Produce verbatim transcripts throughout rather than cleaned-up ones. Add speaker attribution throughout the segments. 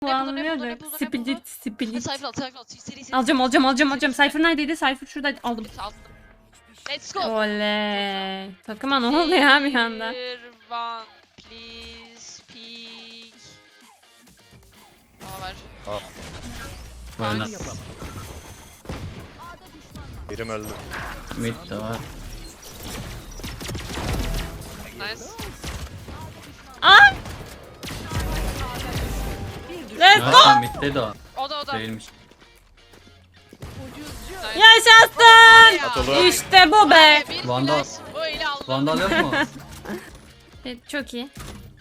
Speaker 1: Anlıyor
Speaker 2: ne
Speaker 1: da.
Speaker 2: buldu, ne buldu?
Speaker 1: Split, split.
Speaker 2: Cypher al, Cypher al. Seri seri.
Speaker 1: Alacağım, alacağım, alacağım, alacağım. Cypher neredeydi? Cypher şurada aldım.
Speaker 2: Aldım. Let's go.
Speaker 1: Oley. Takıma ne oldu ya bir anda?
Speaker 2: Tier one, please, peek. Aa var.
Speaker 3: Oyna.
Speaker 2: Nice.
Speaker 4: Birim öldü.
Speaker 3: Mid de var.
Speaker 2: Nice.
Speaker 1: Aa! Let's go!
Speaker 3: Ha, midde de o.
Speaker 2: O da o da.
Speaker 3: Değilmiş.
Speaker 2: Nice.
Speaker 1: Yaşasın!
Speaker 2: Ya.
Speaker 4: Atolu.
Speaker 1: İşte bu be.
Speaker 2: Bir
Speaker 3: Vandal.
Speaker 2: flash böyle aldım.
Speaker 3: Vandal yok mu?
Speaker 1: Evet, çok iyi.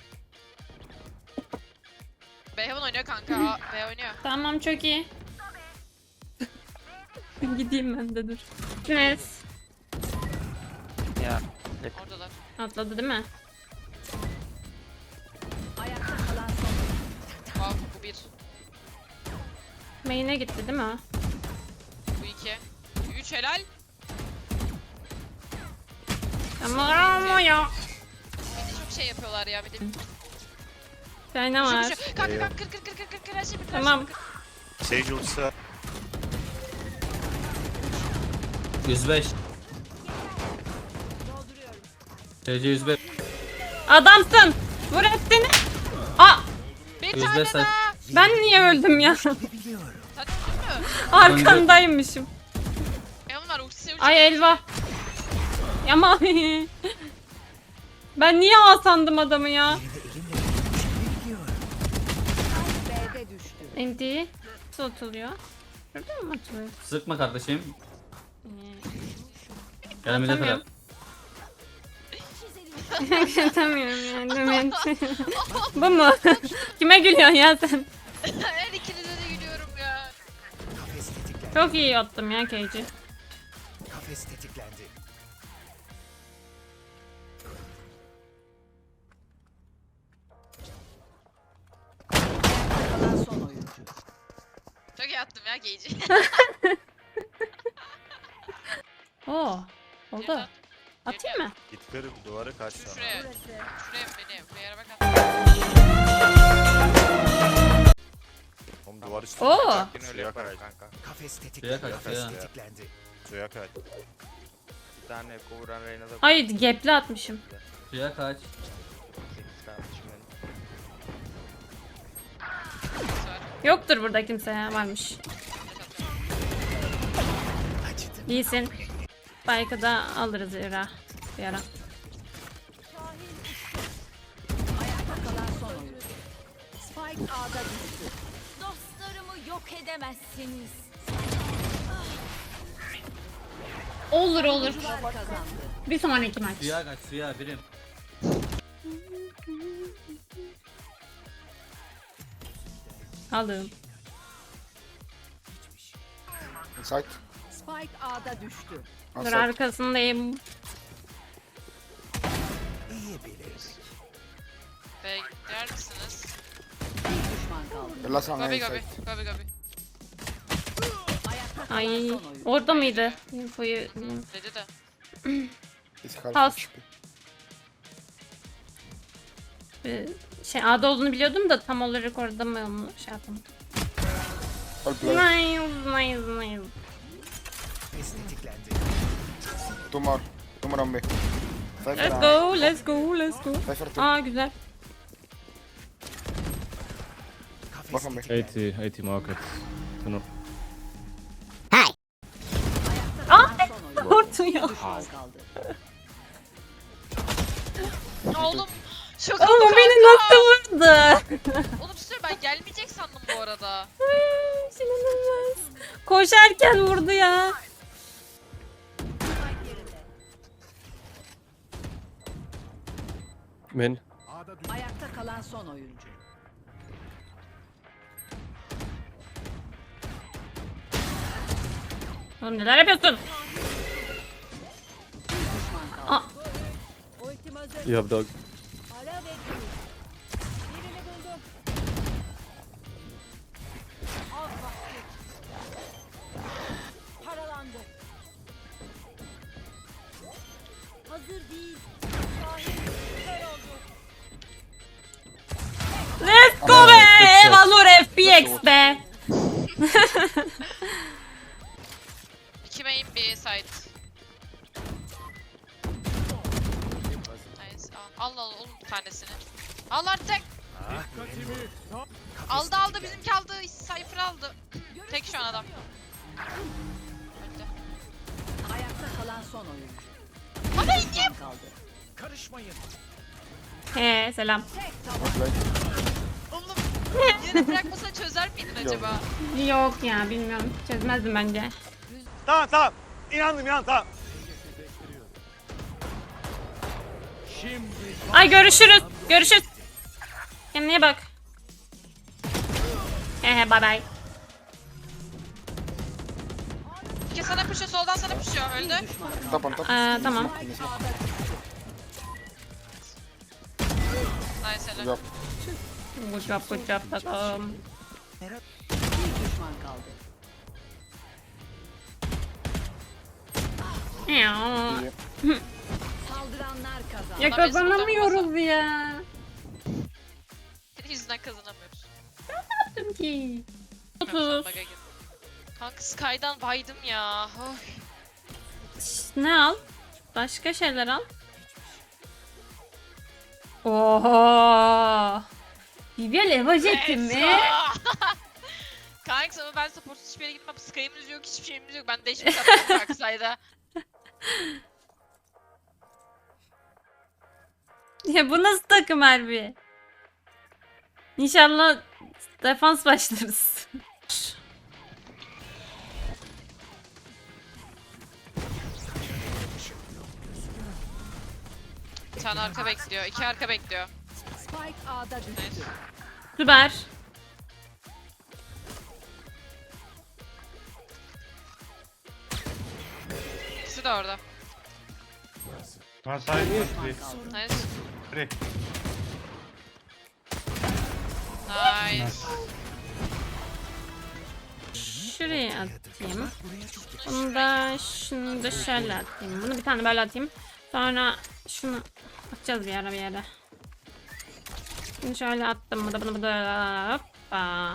Speaker 2: Beyhavon oynuyor kanka. Aa, B oynuyor.
Speaker 1: Tamam, çok iyi. Gideyim ben de dur. Nes.
Speaker 2: Oradalar.
Speaker 1: Atladı değil mi?
Speaker 2: Wow, bu bir.
Speaker 1: Main'e gitti değil mi o?
Speaker 2: Bu iki. Üç helal.
Speaker 1: Ama ama ya.
Speaker 2: Bir de çok şey yapıyorlar ya. Bir de
Speaker 1: Şey ne
Speaker 2: Şu,
Speaker 1: var?
Speaker 2: şu. Kanka kanka kır kır kır kır kır kır her şey bir kır.
Speaker 1: Tamam.
Speaker 4: Sage ultisi var.
Speaker 3: yüz beş. C C yüz beş.
Speaker 1: Adamsın. Vur hepsini. Aa,
Speaker 2: Bir
Speaker 3: yüz
Speaker 2: tane
Speaker 3: beş say.
Speaker 2: daha.
Speaker 1: ben niye öldüm ya?
Speaker 2: Sen öldün mü?
Speaker 1: Arkandaymışım.
Speaker 2: Beyhavon var. Ultisi ultisi.
Speaker 1: Ay elva. Ama ben niye A sandım adamı ya? M D nasıl atılıyor? Şurada mı atılıyor?
Speaker 3: Sıkma kardeşim. Gel mid'e
Speaker 1: Atamıyorum.
Speaker 3: kadar.
Speaker 1: Atamıyorum yani. Demet. Bu mu? Kime gülüyorsun ya sen?
Speaker 2: Her ikinize de gülüyorum ya.
Speaker 1: Çok iyi attım ya Cage'i.
Speaker 5: Kafes tetiklendi. Kalan son oyuncu.
Speaker 2: Çok iyi attım ya Gage'i.
Speaker 1: Oo. Oldu. Atayım mı?
Speaker 4: Git kır duvarı kaç sonra.
Speaker 2: Şuraya. Şuraya beni. Buraya yere bak at.
Speaker 4: Oğlum duvar üstü.
Speaker 1: Oo.
Speaker 4: Suya kaç.
Speaker 5: Kafes
Speaker 3: Suya
Speaker 5: tetiklendi.
Speaker 3: kaç
Speaker 5: Kafes
Speaker 3: ya.
Speaker 5: tetiklendi.
Speaker 4: Suya kaç.
Speaker 6: Bir tane kovuran Reyna'da
Speaker 1: Ay gapli atmışım.
Speaker 3: Suya kaç.
Speaker 6: sekiz kardeşim benim.
Speaker 1: Yoktur burada kimse ya, varmış. İyisin. Spike'ı da alırız yara. Bir ara.
Speaker 5: Kalan son oyuncu. Spike A'da düştü.
Speaker 7: Dostlarımı yok edemezsiniz.
Speaker 1: Olur olur.
Speaker 5: Kazandı.
Speaker 1: Bir sonraki maç.
Speaker 3: Suya kaç. Suya birim.
Speaker 1: Aldım.
Speaker 8: Inside.
Speaker 5: Spike A'da düştü.
Speaker 1: Dur
Speaker 8: Outside.
Speaker 1: arkasındayım.
Speaker 5: İyi bilir.
Speaker 2: B'ye gider misiniz?
Speaker 5: Bir düşman kaldı.
Speaker 8: The last one
Speaker 2: Gabi
Speaker 8: inside.
Speaker 2: gabi. Gabi gabi.
Speaker 5: Ayakta kalan
Speaker 1: Ay
Speaker 5: son oyuncu.
Speaker 1: orada mıydı? Infoyu
Speaker 2: Dedi de.
Speaker 8: It's half
Speaker 1: Pass.
Speaker 8: H P.
Speaker 1: Ee, şey A'da olduğunu biliyordum da tam olarak orada mı onu şey yapamadım.
Speaker 8: All play.
Speaker 1: Nice, nice, nice.
Speaker 5: Kafes tetiklendi.
Speaker 8: Two more. Two more on B. Cypher.
Speaker 1: Let's
Speaker 8: uh,
Speaker 1: go, let's go, let's go.
Speaker 8: Cypher two.
Speaker 1: Aa güzel.
Speaker 5: Kafes
Speaker 8: Bakın be.
Speaker 5: tetiklendi.
Speaker 9: eighty, eighty market. Tunnel.
Speaker 5: Ayakta kalan son oyuncu.
Speaker 1: Korktu ya.
Speaker 5: Düşman kaldı.
Speaker 2: Oğlum. Şaka
Speaker 1: Oğlum
Speaker 2: mı
Speaker 1: beni
Speaker 2: kanka?
Speaker 1: nasıl vurdu?
Speaker 2: Oğlum bir sürü ben gelmeyecek sandım bu arada.
Speaker 1: İnanılmaz. Koşarken vurdu ya.
Speaker 9: Min.
Speaker 5: Ayakta kalan son oyuncu.
Speaker 1: Oğlum neler yapıyorsun?
Speaker 5: Düşman kaldı.
Speaker 1: Aa,
Speaker 9: You have dog.
Speaker 7: Paralandı. Hazır değil.
Speaker 1: let's go be. Valor F
Speaker 2: Al artık. Aldı aldı bizimki aldı. Cypher aldı. Tek şu an adam. Öldü.
Speaker 5: Ayakta kalan son oyuncu.
Speaker 2: Hadi
Speaker 5: Bir düşman kaldı.
Speaker 1: He selam.
Speaker 2: oğlum. Yine bırakmasa çözer miydin acaba?
Speaker 1: Yok ya bilmiyorum. Çözmezdim bence.
Speaker 4: Tamam tamam. İnandım inan tamam.
Speaker 1: Ay görüşürüz. Görüşürüz. Kendine iyi bak. Hehe bye bye.
Speaker 2: İki sana pushuyor soldan sana pushuyor. Öldü.
Speaker 8: Top on top.
Speaker 1: Ee, tamam.
Speaker 2: Nice helal.
Speaker 8: Job.
Speaker 1: Good job good job tatlım.
Speaker 5: Bir düşman kaldı.
Speaker 1: Ya.
Speaker 8: İyi.
Speaker 5: Saldıranlar kazandı.
Speaker 1: Ya kazanamıyoruz ya.
Speaker 2: Senin yüzünden kazanamıyoruz.
Speaker 1: Yaptım ki.
Speaker 2: Sen
Speaker 1: otuz.
Speaker 2: bug'a gir. Kanka Sky'dan baydım ya. Oy.
Speaker 1: Ne al? Başka şeyler al. Oho. Bibiel Eva jeti mi?
Speaker 2: Kanka ama ben supportsuz hiçbir yere gitmem. Sky'ımız yok, hiçbir şeyimiz yok. Ben değişik yaptım kanka sayda.
Speaker 1: Ya bu nasıl takım harbi? İnşallah defans başlarız.
Speaker 2: Bir tane arka bekliyor, iki arka bekliyor.
Speaker 5: Spike A'da düştü.
Speaker 2: Nice.
Speaker 1: Süper.
Speaker 2: İkisi de orada.
Speaker 9: One side, one three.
Speaker 2: Nice.
Speaker 9: Three.
Speaker 2: Nice.
Speaker 1: Şuraya atayım. Bunu da şunu da şöyle atayım. Bunu bir tane böyle atayım. Sonra şunu atacağız bir ara bir yere. Bunu şöyle attım. Bu da bunu da hoppa.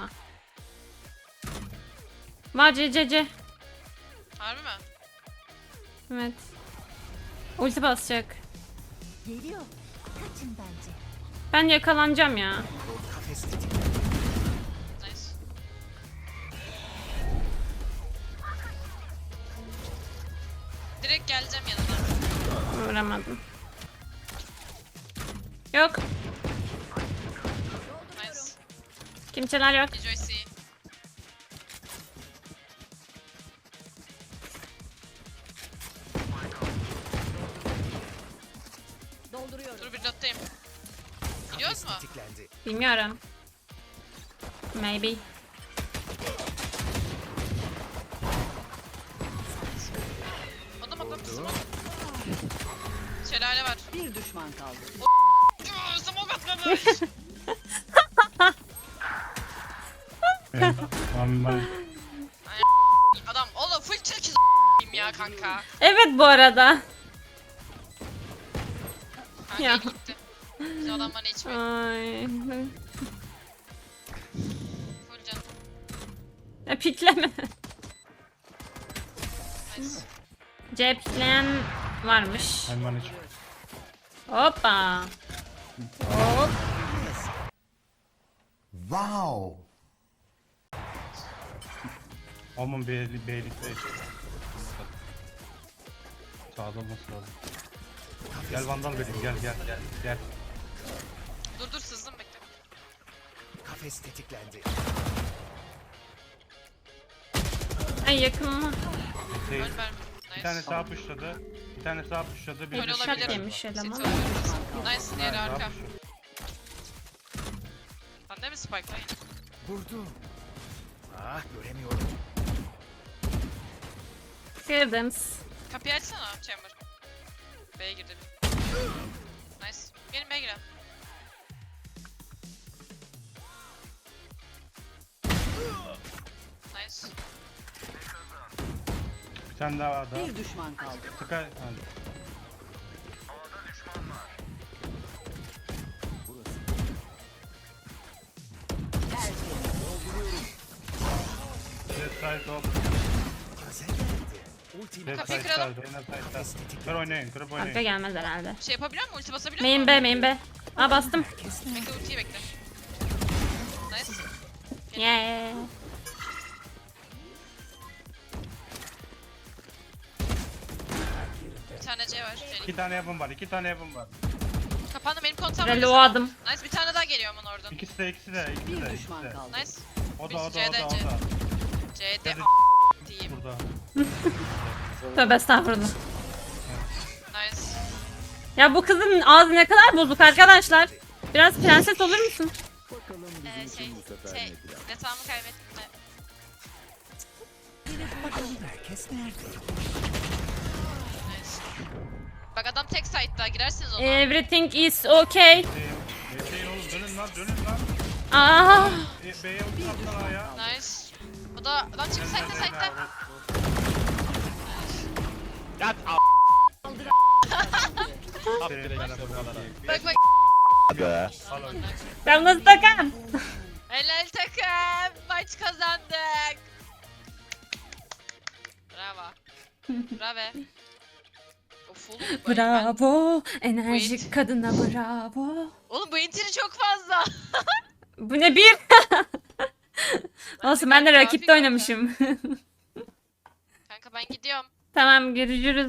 Speaker 1: Var C C C.
Speaker 2: Harbi mi?
Speaker 1: Evet. Ulti basacak.
Speaker 7: Geliyor. Kaçın bence.
Speaker 1: Ben yakalanacağım ya.
Speaker 2: Nice. Direkt geleceğim yanına.
Speaker 1: Vuramadım. Yok.
Speaker 2: Nice.
Speaker 1: Kimseler yok.
Speaker 2: Enjoy C.
Speaker 5: Dolduruyorum.
Speaker 2: Dur bir nottayım. Gidiyoruz mu?
Speaker 1: Bilmiyorum. Maybe.
Speaker 2: Adam atlamışsın mı? Şelale var.
Speaker 5: Bir düşman kaldı.
Speaker 2: Aa, smoke atlamış.
Speaker 9: One one.
Speaker 2: Adam oğlum full çekiz ya kanka.
Speaker 1: Evet bu arada.
Speaker 2: Kanka
Speaker 1: Ya.
Speaker 2: gitti. Biz adam bana içmiyor.
Speaker 1: Ay.
Speaker 2: Full can.
Speaker 1: Ya pikleme.
Speaker 2: Nice.
Speaker 1: C pikleyen varmış.
Speaker 9: One one each.
Speaker 1: Hoppa. Hop.
Speaker 8: Wow.
Speaker 9: Omun beylik beylikte eşit. Sağda olması lazım. Gel vandal vereyim gel gel gel gel.
Speaker 2: Dur dur sızdım bekle.
Speaker 10: Kafes tetiklendi.
Speaker 1: Ay yakın mı?
Speaker 9: Şey,
Speaker 2: Ön verme.
Speaker 9: bir tane
Speaker 2: Nice.
Speaker 9: sağ pushladı. Bir tane sağ pushladı. Bir
Speaker 2: Öyle
Speaker 9: de
Speaker 1: Şak
Speaker 2: olabilir.
Speaker 1: yemiş eleman.
Speaker 2: City olabilir. Nice diğeri
Speaker 9: Ha,
Speaker 2: arka.
Speaker 9: sağ pushladı.
Speaker 2: Bende mi spike lan?
Speaker 10: Vurdu. Ah göremiyorum.
Speaker 1: Kırdım.
Speaker 2: Kapıyı açsana Chamber. B'ye girdi. Nice. Gelin B'ye girelim. Nice.
Speaker 9: Bir tane daha var da.
Speaker 5: Bir düşman kaldı.
Speaker 9: Sky. Hadi. Left side top.
Speaker 10: Kaze geldi. Ultim
Speaker 9: Left
Speaker 2: Kapıyı
Speaker 9: side
Speaker 2: kıralım.
Speaker 9: side. Oyna side side. Kır oynayın. Kırıp
Speaker 1: Arka
Speaker 9: oynayın.
Speaker 1: gelmez herhalde.
Speaker 2: Şey yapabiliyor mu? Ulti basabiliyor
Speaker 1: Main
Speaker 2: mu?
Speaker 1: B, main B. Aa bastım.
Speaker 2: Bekle ultiyi bekle. Nice.
Speaker 1: Yeah.
Speaker 2: Bir tane C var.
Speaker 9: İki
Speaker 2: Benim.
Speaker 9: tane yapım var. iki tane yapım var.
Speaker 2: Kapandı benim kontağım var.
Speaker 1: Reloadım.
Speaker 2: Nice bir tane daha geliyor aman oradan.
Speaker 9: İkisi de ikisi de ikisi
Speaker 5: Bir
Speaker 9: de.
Speaker 5: düşman
Speaker 9: ikisi de.
Speaker 5: kaldı.
Speaker 2: Nice.
Speaker 9: O da o da o
Speaker 2: C'de,
Speaker 9: da o
Speaker 2: C.
Speaker 9: da.
Speaker 2: C'de
Speaker 9: C'de.
Speaker 2: a- diyeyim.
Speaker 9: Burada.
Speaker 1: Tövbe estağfurullah.
Speaker 2: Nice.
Speaker 1: Ya bu kızın ağzı ne kadar bozuk arkadaşlar. Biraz prenses olur musun?
Speaker 2: Ee, şey, şey, yatağımı kaybettim de.
Speaker 10: Bakalım herkes nerede?
Speaker 2: Nice. Bak adam tek site'da girersiniz ona.
Speaker 1: Everything is okay.
Speaker 9: Bekleyin oğlum dönün lan dönün lan.
Speaker 1: Aa,
Speaker 9: E, B'ye ulti attılar ya.
Speaker 2: Nice. O da lan çık site'da site'da.
Speaker 6: Yat a**.
Speaker 9: Aferin bana bu kadar.
Speaker 2: Bak bak.
Speaker 6: Be.
Speaker 9: Al oyunu.
Speaker 1: ben nasıl takam?
Speaker 2: Helal takım. Maç kazandık. Bravo. Bravo. Of oğlum. bu- ben-
Speaker 1: Bravo. Enerjik
Speaker 2: Wait.
Speaker 1: kadına bravo.
Speaker 2: Oğlum bu intiri çok fazla.
Speaker 1: Bu ne bir? Olsun ben de
Speaker 2: gayet
Speaker 1: rakipte
Speaker 2: kafi
Speaker 1: oynamışım.
Speaker 2: Kanka ben gidiyorum.
Speaker 1: Tamam görüşürüz.